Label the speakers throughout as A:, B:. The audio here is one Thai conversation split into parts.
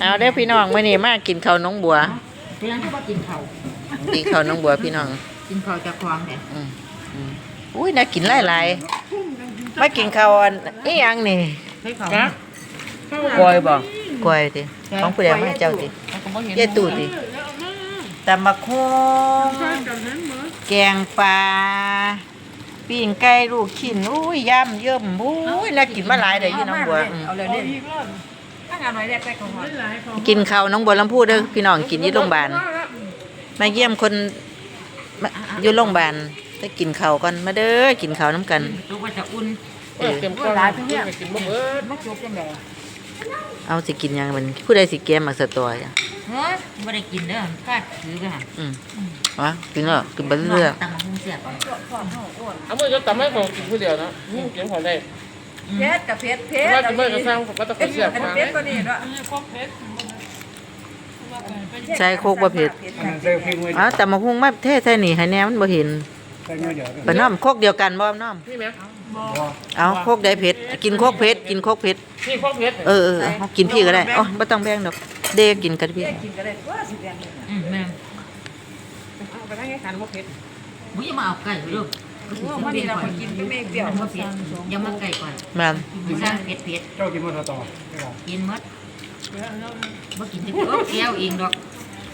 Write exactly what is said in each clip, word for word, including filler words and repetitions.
A: เอาเด้อพี่น้องมื้อนี้มากินข้าวน้องบัว
B: เพียงที่ว่ากินข้าว
A: กินข้าวน้องบัวพี่น้อง
B: กินข้าวจากควางแท้
A: อืมอืมอุ้ยน่ากินหลายๆมากินข้าวอันอีหยังนี่
B: ให้ข้าว
A: กล้วยบ่กล้วยติของผู้ใดมาให้เจ้าติเย้ตู่ติตำบักหุ่งแกงปลาปิ้งไก่ลูกชิ้นอุ้ยยำเยิ่มอุ้ยน่ากินมาหลายเด้ออยู่น้องบัว
B: เอาเลยเนี่ยถ้างานหน่อยแรกไปของ
A: กินข้าวน้องบัวลำพูเด้อพี่น้องกินอยู่โรงพยาบาลมาเยี่ยมคนอยู่โรงพยาบาลได้กินข้าวกันมาเด้อกินข้าวน้ำกัน
B: ลูกว่าจะอุ่น
A: เออ
B: เก็บก็หลายเพิ่นเนี่ยกินบ่เบิดมาจบจังได๋
A: เอาสิกินยังมันผู้ใดสิแกมมาสตอจ้ะ
B: เฮ้ยบ่ได้กินเด้อก็ถือไปหั่น
A: อืมวะกินแล้วกินไปเรื่อย
B: ๆตำบักหุ่งเสียบก่อน
C: เอามื้อจะตำให้ผมกินผู้เดียวนะกินของได้
D: เพชรกับเพชรเพชร
C: ว่าจะไม่ก็สร้างผมก็ต้องเสียบมา
D: เพชรตัวนี้ด้วย
A: ใส่โคกบ่เผ็ดอ๋อแต่มาหุ้งมาเทใส่นี่ให้แน่มันบ่เห็นปะน้อมโคกเดียวกันบ่น้อม
C: นี่แม่
A: เอาโคกใดเผ็ดกินโคกเผ็ดกินโคกเผ็ด
C: นี่พวกเพชร
A: เออเออกินพี่ก็ได้อ๋อบ่ต้องแบ่งดอกเด้กินกันพี่
D: กินก็ได้ว่าสิแบ่ง
B: อืมแม่
C: เอาไปได้แค่ทานพวกเพชร
B: บ่อย่ามาเอาไก่ลูก
D: ว่านี่เรากินก็ไม่เปรี้ยว
B: บ่เผ็ดยังมาไก่ก่อน
A: แม่น
B: สิสร้างเผ็ดเผ็ด
C: เจ้ากินมื้อต่อ
B: กินหมดบ่กินแต่โอ้แก้วเองดอก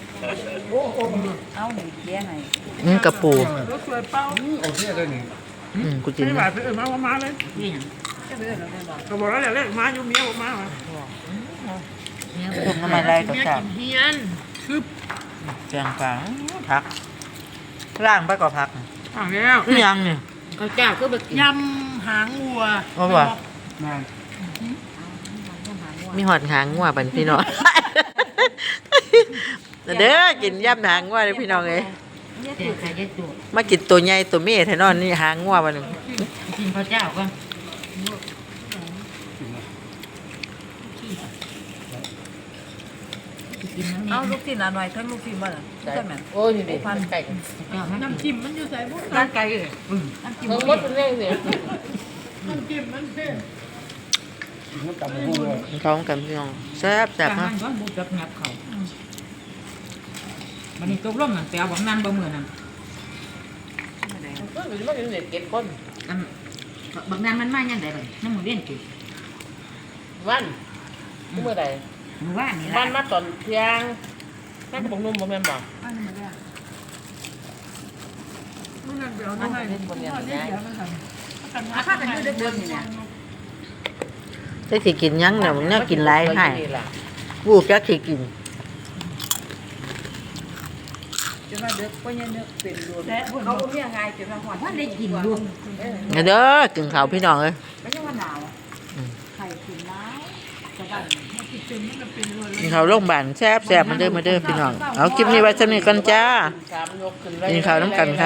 D: เอาหนีแย่ไหน
A: อืมกระปู
C: รถสวยเป้าโอเคเลยนี่
A: อืมกูกิน
C: ไม่บาดเออมามาเลย
B: นี่หยัง
C: ก็บอกแล้วแหละมาอยู่เมียบ่มาว่ะ
A: ต้มน้ำมันไรก็แซ่บ
C: เฮียนคือ
A: แกงปลาผักล่างไปก็ผัก
C: อ่าแล้ว
A: อีหยังนี่
B: ข้าวเจ้าคือแบบ
C: ยำหางวัว
A: ว่าบ่มีหอดหางงัวบัดพี่น้องเด้อกินยำหางงัวเด้อพี่น้องเอ้ยมากินตัวใหญ่ตัวเมียแท้นอนนี่หางงัวบัดนี้
B: กินข้าวเจ้าก่อน
D: เอาลูกชิ้นหน่อยทั้งลูกชิ้นบ่ล่ะใช่มั้ย
C: โอ้ยนี่พันไก่
D: น้ำจิ้มมันอยู่ใส่บ่
B: ร้านไก่เอ้ย
D: น้ำจิ้ม
C: มันหมดเป็นเรื่องเนี่ยน้ำจิ้มมันเท่
A: ท้องกันพี่น้องแซ่บแซ่บ
B: มาก
A: มาก
B: มันบ่จับงับเขามันนี่ตกลงนั่นไปเอาบักนั้นบ่มื้อนั้น
C: ก็มันมาเป็นเด็กเก็บคน
B: อันบักนั้นมันมายังไดบัดน้ำมือเว้นติ
C: วันเมื่อใด
B: มื้อวานนี่ล่ะ
C: วันมาตอนเที่ยงนั่นก็บอกนุ่มบ่แม่นบ่
D: มื้อนั้นเดี๋ยวนั่นให้บนเนี่ยอาคากันอยู่เดิมๆนี่เนี่ย
A: ได้สิกินยังเนี่ยมันเนี่ยกินหลายให้วูบจักสิกิน
D: จนว่าเด็กก็ยังเด็กเป็นรวมเขาบ่มีง่ายจนว่าฮอด
B: ว่าได้กินอยู่
A: เด้อกินข้าวพี่น้องเอ้ย
D: ไม่ใช่ว่าหนาวไข่กินหนาวแต่ว่า
A: กินข้าวโรงพยาบาลแซ่บแซ่บมาเด้อมาเด้อพี่น้องเอาคลิปนี้ไว้สำหรับนี้กันจ้ากินข้าวน้ำกันค่ะ